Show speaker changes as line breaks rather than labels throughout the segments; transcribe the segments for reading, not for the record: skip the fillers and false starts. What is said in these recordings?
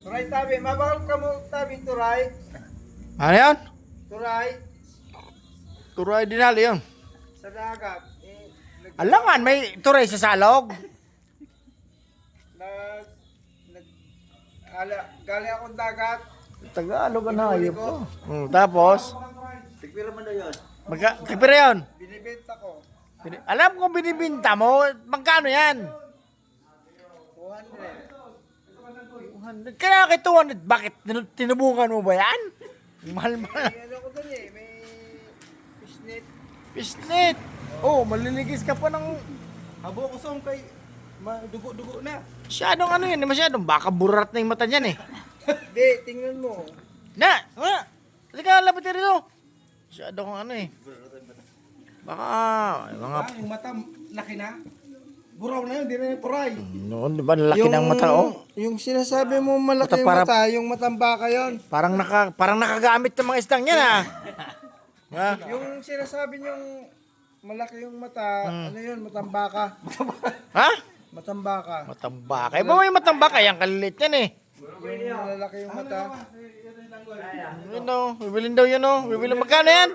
Turay tabi, mabawal ka mo tabi, turay.
Ano yan?
Turay,
Turay dinali yun.
sa dagat.
Alangan, may turay sa salog.
Galing akong dagat.
Tagalog na
Pinuli
ayop
ko.
ko. Tapos,
Tigpira mo na yun.
kipira yun.
Binibenta ko.
Alam kong binibinta mo, magkano yan?
200.
200. Kaya kay 200, bakit? Tinubungan mo ba yan? Mahal-mahal.
May ano ko dun eh, may fishnet.
Pisnet. Oh, maliligis ka pa ng...
Habo ko song kay dugo-dugo na.
Masyadong ano yun, masyadong baka burat na yung mata niyan eh.
Hindi, tingnan mo.
Halika, lapit rito. Masyadong ano eh. Baka, mga...
Yung mata, laki na. Buraw na yun, di na yung puray.
Noon, di ba, laki ng mata, oh.
Yung sinasabi mo malaki yung
Para-
mata, yung matambaka yun.
Parang nakagamit ng mga isdang yan, ah. Ha?
Yung sinasabi niyong malaki yung mata, ano yun, matambaka.
Ha?
Matambaka.
Matambaka. Eh, ba may matambaka? Yan, kalilit yan eh.
Yung malalaki yung mata.
Yun o, bibilin daw yun o. Bibilin, magkano yan?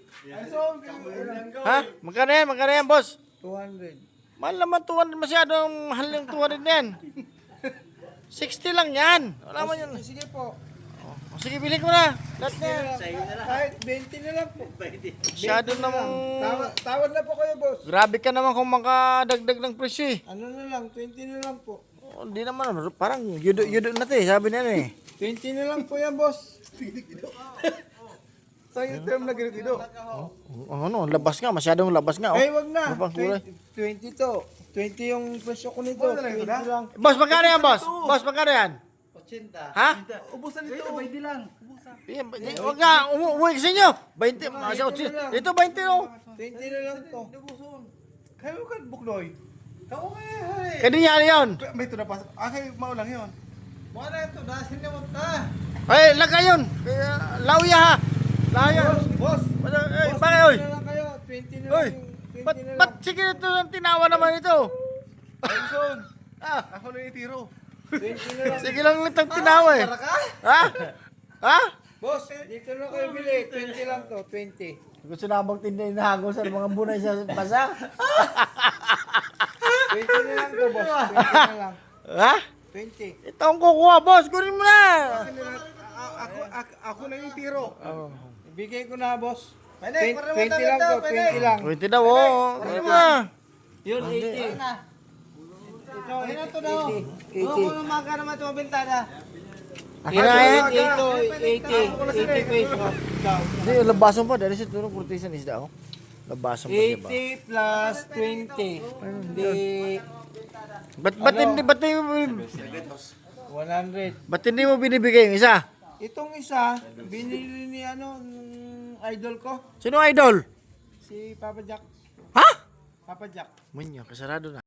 Ha? Magkano yan? Magkano yan, boss?
200.
Mahal naman 200, masyadong mahal yung 200 na yan. 60 lang yan. Wala man yun.
Sige po.
O, sige, bilhin ko na. Lahat na yan.
Kahit 20 na lang po.
Masyado namang...
Tawad na po kayo, boss.
Grabe ka naman kung makadagdag ng presyo eh.
Ano na lang, 20 na lang po.
Oh, hindi naman, parang yudo na to eh. Sabi nila eh.
20 na lang po yan, boss. Sa'yo term na ganito.
Ano, labas nga. Masyadong labas nga. Oh.
Ay, wag na.
Ano pang kulay?
20 to. 20 yung presyo ko nito. 20 lang.
Boss, magkano yan, boss? Boss, magkano yan?
80.
Ha?
Ubusan nito. 20 lang.
Huwag nga, umuwi sa inyo. 20, ito 20 oh.
20 na lang to.
Kayo ka bukloy. Kao kaya.
Kadi niya yun.
May ito na pasok. Kay maulang yun.
Wala ito. Dasin na mo ta.
Ay, lagay yun. Lauya ha. Lauya.
Boss.
Eh, bakit oy?
20 na lang kayo. 20 na
Oy,
lang. 20
ba't,
na lang.
ba't sige ito ng tinawa naman ito?
Ayun.
Ah,
Ako na itiro.
20 na lang.
sige lang itong tinawa eh. Ha? Ha?
Boss, dito na kayo bili. 20 lang to. 20.
Gusto na bang tinday na hagos sa mga bunay sa basa?
20 na lang to, boss. 20 na lang.
Ha?
20.
Ito ang kukuha, boss. Kunin mo na.
Ako na yung tiro.
Oh.
Ibigay ko na, boss. 20
Pwede,
lang to. 20 lang.
20 daw, oh. Kunin mo na.
Yun, 80. Ito, ito daw. 80.
umaga naman ito mabintana.
Kinain.
Ito, 80 pesos.
Hindi, labasan pa. Dahil sa tulong kurtisan isda, oh. Labasan pa siya ba?
80 plus 20. Hindi.
Ba't hindi mo
100.
binibigay yung isa?
Itong isa, binili ni ano, nung idol ko,
Sino idol?
si Papa Jack.
Ha?
Papa Jack.
Munya, kasarado na.